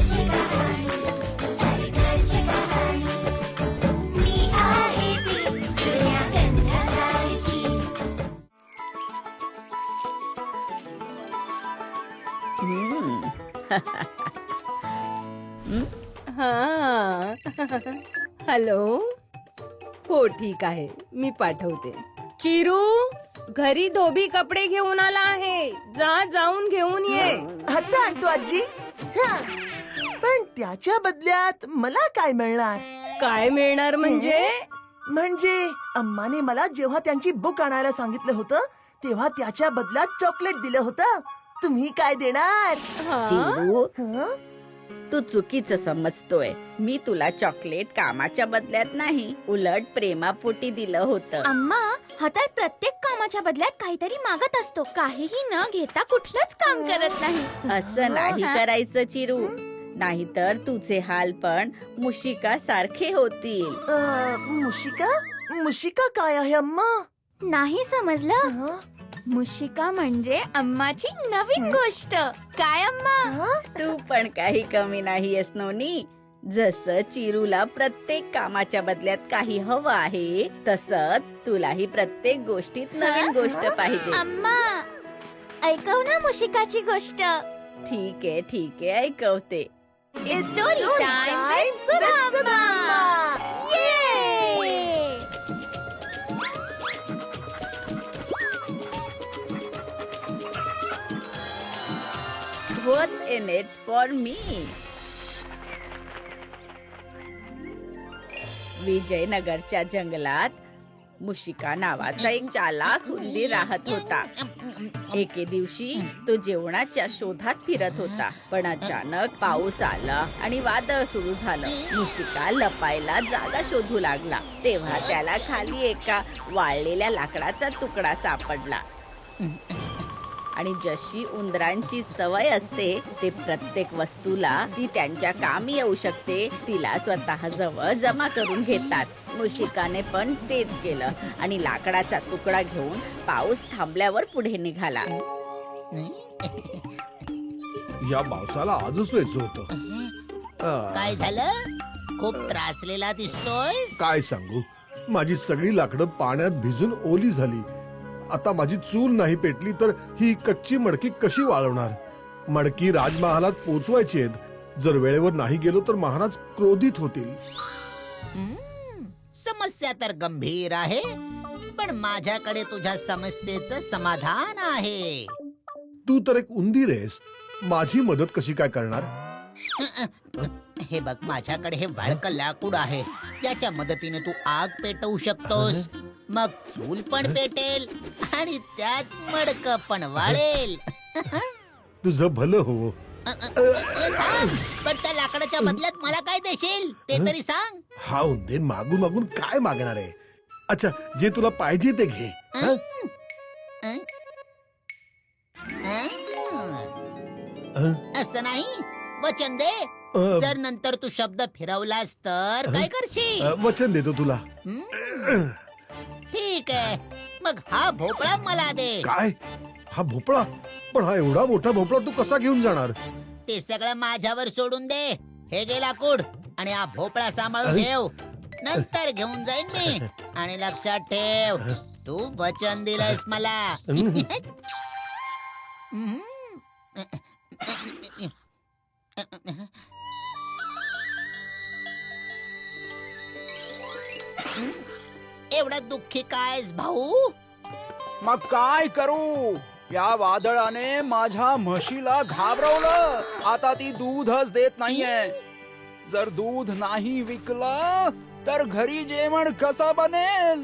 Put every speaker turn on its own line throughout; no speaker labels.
घरची कहाणी, हर घरची कहाणी. मी आहे ती जुन्या कन्यासारखी.
हॅलो. हो ठीक आहे, मी पाठवते. चिरू, घरी धोबी कपडे घेऊन आला आहे, जाऊन घेऊन ये.
आता आणतो आजी. पण त्याच्या बदल्यात मला काय मिळणार?
काय मिळणार म्हणजे?
म्हणजे अम्माने मला जेव्हा त्यांची बुक आणायला सांगितलं होतं तेव्हा त्याच्या बदल्यात चॉकलेट दिलं होतं. तुम्ही काय देणार?
चिरू,
हं?
तू चुकीचं समजतोय. मी तुला चॉकलेट कामाच्या बदल्यात नाही, उलट प्रेमापोटी दिलं होतं.
अम्मा, हा तर प्रत्येक कामाच्या बदल्यात काहीतरी मागत असतो. काहीही न घेता कुठलंच काम करत नाही.
असं नाही करायचं चिरू, नाहीतर तुझे हाल पण मुशिका सारखे होतील.
मुशिका? मुशिका काय आहे अम्मा?
नाही समजलं?
हं?
मुशिका म्हणजे अम्माची नवीन गोष्ट. काय अम्मा?
हं?
तू पण काही कमी नाहीयेस नोनी. जसं चिरूला प्रत्येक कामाच्या बदल्यात काही हवं आहे, तसंच तुलाही प्रत्येक गोष्टीत नवीन गोष्ट पाहिजे.
अम्मा, ऐकव ना मुशिकाची गोष्ट.
ठीक आहे, ऐकवते.
Story time with Sudha Amma. ये!
What's in it for me? विजयनगरच्या जंगलात मुशिका नावाचा एक चालाक उंदीर राहत होता. एके दिवशी तो जेवणाच्या शोधात फिरत होता, पण अचानक पाऊस आला आणि वादळ सुरू झालं. मुशिका लपायला जागा शोधू लागला, तेव्हा त्याला खाली एका वाळलेल्या लाकडाचा तुकडा सापडला. आणि जशी उंदरांची सवय असते, ते प्रत्येक वस्तूला ती त्यांच्या कामी येऊ शकते तिला स्वतः जवळ जमा करून घेतात. मुशिकाने पण तेच केलं आणि लाकडाचा तुकडा घेऊन पाऊस थांबल्यावर पुढे निघाला.
या पावसाला आजच व्हायचं होतं.
काय झालं? खूप त्रासलेला दिसतोय.
काय सांगू, माझी सगळी लाकडं पाण्यात भिजून ओली झाली. आता माझी चूल नाही पेटली तर ही कच्ची मडकी कशी वाळवणार? मडकी राजमहालात पोचवायची आहेत. जर वेळेवर नाही गेलो तर महाराज क्रोधित होतील.
समस्या तर गंभीर आहे, पण माझ्याकडे तुझ्या समस्येचं समाधान आहे.
तू तर एक उंदीर आहेस, माझी मदत कशी काय करणार?
हे बघ, माझ्याकडे हे वाळकं लाकूड आहे. याच्या मदतीने तू आग पेटवू शकतोस. मग चूल पण पेटेल आणि त्यात मडकं पण वाळेल.
तुझं भलं हो.
पण त्या लाकडाच्या बदल्यात मला काय देशील ते तरी सांग.
हा उंदीर मागून मागून काय मागणार आहे? अच्छा, जे तुला पाहिजे ते घे. हं? हं?
असं नाही, वचन दे. जर नंतर तू शब्द फिरवलास तर काय करशील?
वचन देतो तुला.
ठीक आहे, मग हा भोपळा मला दे.
काय? हा भोपळा? पण हा एवढा मोठा भोपळा तू कसा घेऊन जाणार?
ते सगळं माझ्यावर सोडून दे. हे घे लाकूड आणि हा भोपळा सांभाळून ठेव. नंतर घेऊन जाईन मी. आणि लक्षात ठेव, तू वचन दिलंस मला. एवढा दुःखी कायस भाऊ?
मग काय करू? या वादळाने माझ्या म्हशीला घाबरवलं. आता ती दूधच देत नाहीये. जर दूध नाही विकलं तर घरी जेवण कसं बनेल?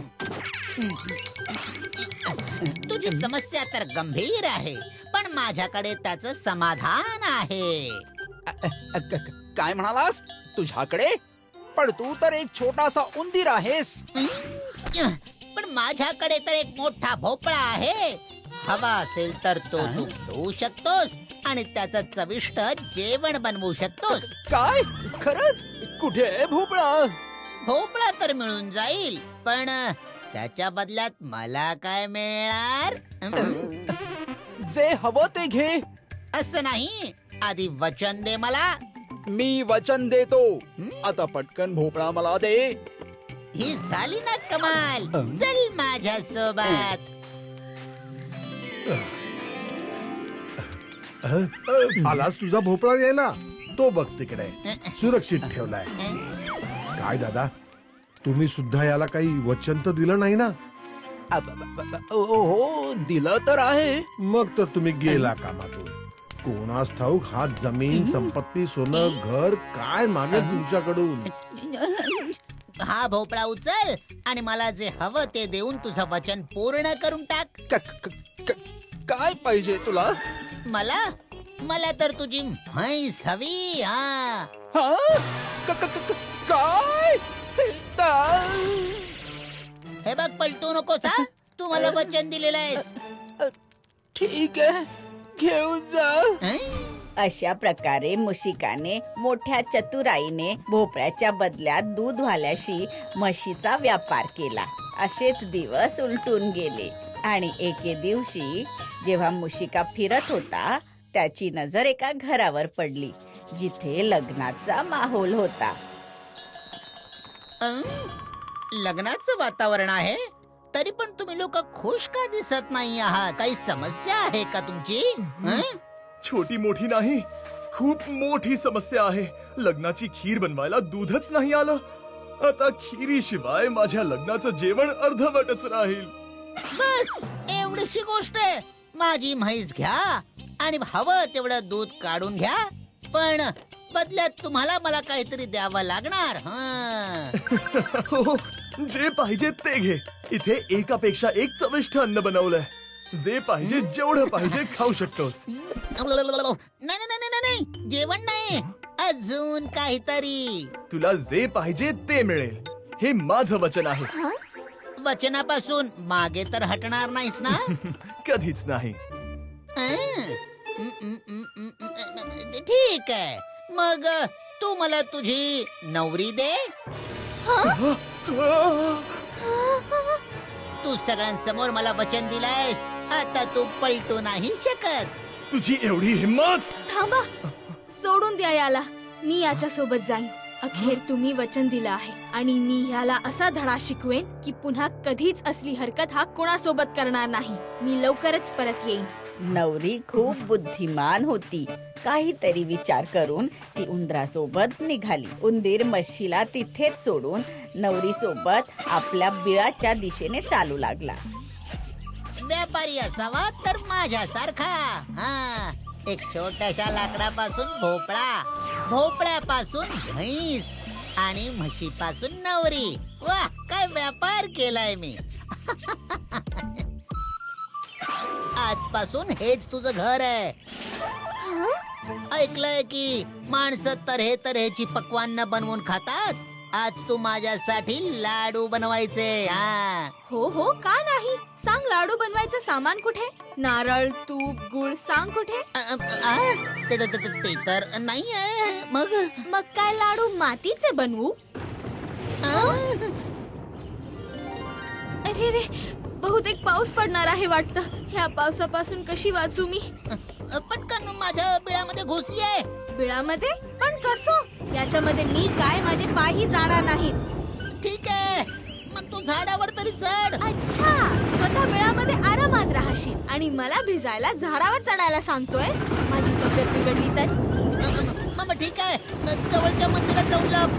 तुझी समस्या तर गंभीर आहे, पण माझ्याकडे त्याचं समाधान आहे.
काय म्हणालास? तुझ्याकडे? पण तू तर एक छोटासा उंदीर आहेस.
पण माझ्याकडे तर एक मोठा भोपळा आहे. हवा असेल तर तो तू घेऊ शकतोस आणि त्याचं चविष्ट जेवण बनवू शकतोस.
काय? खरंच? कुठे आहे भोपळा?
भोपळा तर मिळून जाईल, पण त्याच्या बदल्यात मला काय मिळणार?
जे हवं ते घे.
असं नाही, आधी वचन दे मला.
मी वचन देतो. आता पटकन भोपळा मला दे.
ही झाली ना कमाल. चल माझ्या सोबत.
आलाच तुझा भोपळा यायला. तो बघ तिकडे सुरक्षित ठेवलाय. काय दादा, तुम्ही सुद्धा याला काही वचन तर दिलं नाही ना?
हो, दिलं तर आहे.
मग तर तुम्ही गेला कामातून. कोणास ठाऊक हा जमीन संपत्ती सोनं घर काय मागेल तुमच्याकडून.
हा भोपळा उचल आणि मला जे हवं ते देऊन तुझं वचन पूर्ण करून टाक.
काय पाहिजे तुला?
मला तर तुझी म्हैस हवी. हा
हा? काय?
हे बघ, पलटू नकोस. हा, तू मला वचन दिलेलं आहेस.
ठीक आहे, घेऊन जा.
हं?
अशा प्रकारे मुशिकाने मोठ्या चतुराईने भोपळ्याच्या बदल्यात दूधवाल्याशी म्हशीचा व्यापार केला. असेच दिवस उलटून गेले आणि एके दिवशी जेव्हा मुशिका फिरत होता त्याची नजर एका घरावर पडली जिथे लग्नाचा माहोल होता.
लग्नाचं वातावरण आहे, तरी पण तुम्ही लोक खुश का दिसत नाही आहात? काही समस्या आहे का तुमची? हं?
छोटी मोठी नाही, खूप मोठी समस्या आहे. लग्नाची खीर बनवायला दूधच नाही आलं. आता खिरीशिवाय माझ्या लग्नाचं जेवण अर्धवटच राहील.
बस एवढीशी गोष्ट आहे. माझी म्हैस घ्या आणि हवं तेवढं दूध काढून घ्या, पण बदल्यात तुम्हाला मला काहीतरी द्यावं लागणार.
हो, जे पाहिजे ते घे. इथे एकापेक्षा एक चविष्ट अन्न बनवलंय. जे पाहिजे जेवढं पाहिजे खाऊ शकतोस.
नाही नाही नाही नाही, जेवण नाही, अजून काहीतरी.
तुला जे पाहिजे ते मिळेल, हे माझं वचन आहे.
वचनापासून मागे तर हटणार नाहीस ना?
कधीच नाही.
ठीक आहे, मग तू मला तुझी नवरी दे. तू सगळ्यांसमोर मला वचन दिलायस, आता तू पलटू नाही शकत.
तुझी एवढी हिम्मत?
थांबा, सोडून द्या याला. मी याच्या सोबत जाईन. अखेर तुम्ही वचन दिलं आहे आणि मी ह्याला असा धडा शिकवेन की पुन्हा कधीच असली हरकत हा कोणासोबत करणार नाही. मी लवकरच परत येईन.
नवरी खूप बुद्धिमान होती. काहीतरी विचार करून ती उंदरासोबत निघाली. उंदीर म्हशीला तिथेच सोडून नवरी सोबत आपल्या बिळाच्या दिशेने चालू लागला.
व्यापारी असावा तर माझ्यासारखा. हा, एक छोट्याशा लाकडापासून भोपळा, भोपळ्यापासून म्हैस आणि म्हशीपासून नवरी. वा, काय व्यापार केलाय मी. आजपासून हेच तुझं घर आहे. ऐकलंय की माणसं तऱ्हे तऱ्हेची पक्वान्न बनवून खातात. आज तू माझ्यासाठी लाडू बनवायचे. हा
हो हो, का नाही. सांग, लाडू बनवायचं सामान कुठे? नारळ, तूप, गुळ सांग कुठे?
ते तर नाहीये.
मग काय लाडू मातीचे बनवू? अरे रे, बहुतेक पाऊस पडणार आहे वाटतं. ह्या पावसापासून कशी वाचू मी?
पटकन माझ्या बिळामध्ये घुसली आहे.
बिळामध्ये? पण कसं? याच्यामध्ये मी काय, माझे पायही जाणार नाहीत.
ठीक आहे, मग तू झाडावर तरी चढ.
अच्छा, स्वतः बिळामध्ये आरामात राहशील आणि मला भिजायला झाडावर चढायला सांगतोयस? माझी तब्येत बिघडली तर?
मग ठीक आहे, मग जवळच्या मंदिरात जाऊन लप.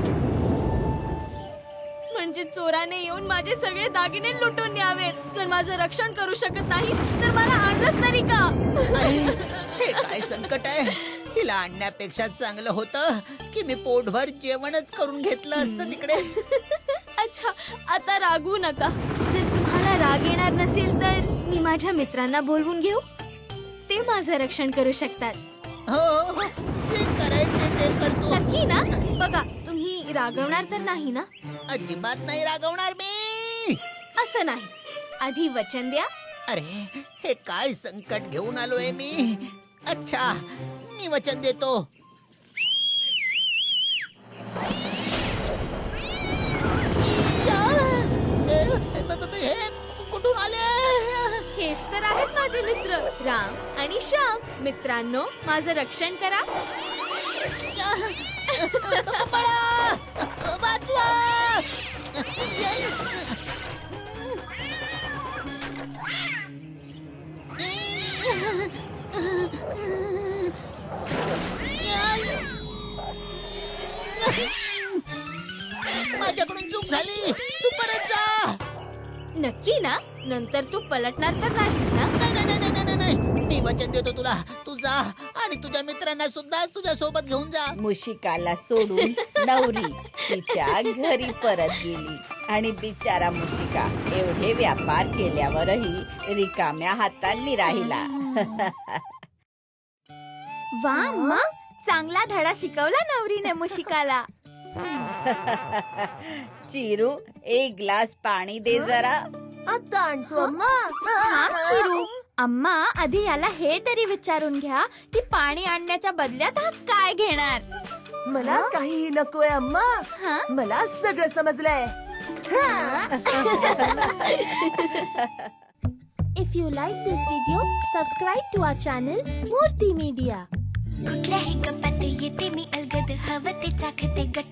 म्हणजे चोराने येऊन माझे सगळे दागिने लुटून न्यावेत. जर माझं रक्षण करू शकत नाहीस तर मला आणलंस तरी का?
अरे, हे काय संकट आहे. हिला आणण्यापेक्षा चांगलं होतं की मी पोटभर जेवणच करून घेतलं असतं तिकडे.
अच्छा, आता रागवू नका. जर तुम्हाला राग येणार नसेल तर मी माझ्या मित्रांना बोलवून घेऊ. ते माझं रक्षण करू शकतात.
हो, जे करायचे ते करतो.
नक्की ना? बघा, तुम्ही रागवणार तर नाही ना?
अजिबात नाही रागवणार मी.
असं नाही. आधी वचन द्या.
अरे, हे काय संकट घेऊन आलोय मी. अच्छा, मी वचन देतो. हे कुठून आले?
हेच तर आहेत माझे मित्र राम आणि श्याम. मित्रांनो, माझं रक्षण करा.
पळा! वाचवा! माझ्याकडून चूक झाली. तू परत जा.
नक्की ना? नंतर तू पलटणार तर नाहीस ना?
नाही नाही नाही नाही नाही नाही. मी वचन देतो तुला. तू जा आणि तुझ्या मित्रांना सुद्धा तुझ्या सोबत घेऊन जा.
मुशिकाला सोडून नवरी तिच्या घरी परत गेली आणि बिचारा मुशिका एवढे व्यापार केल्यावरही रिकाम्या हातांनी राहिला.
वा अम्मा, चांगला धडा शिकवला नवरीने मुशिकाला.
चिरू, एक ग्लास पाणी दे जरा.
आता आणतो अम्मा.
थांब चिरू. अम्मा, आधी याला हे तरी विचारून घ्या की पाणी आणण्याच्या बदल्यात हा काय घेणार.
मला काहीही नकोय अम्मा.
हा?
मला सगळं समजलंय.
If you like this video, subscribe to our channel Murthy Media.
कुठल्याही कपात येते मी अलगद हवं ते चाखते गट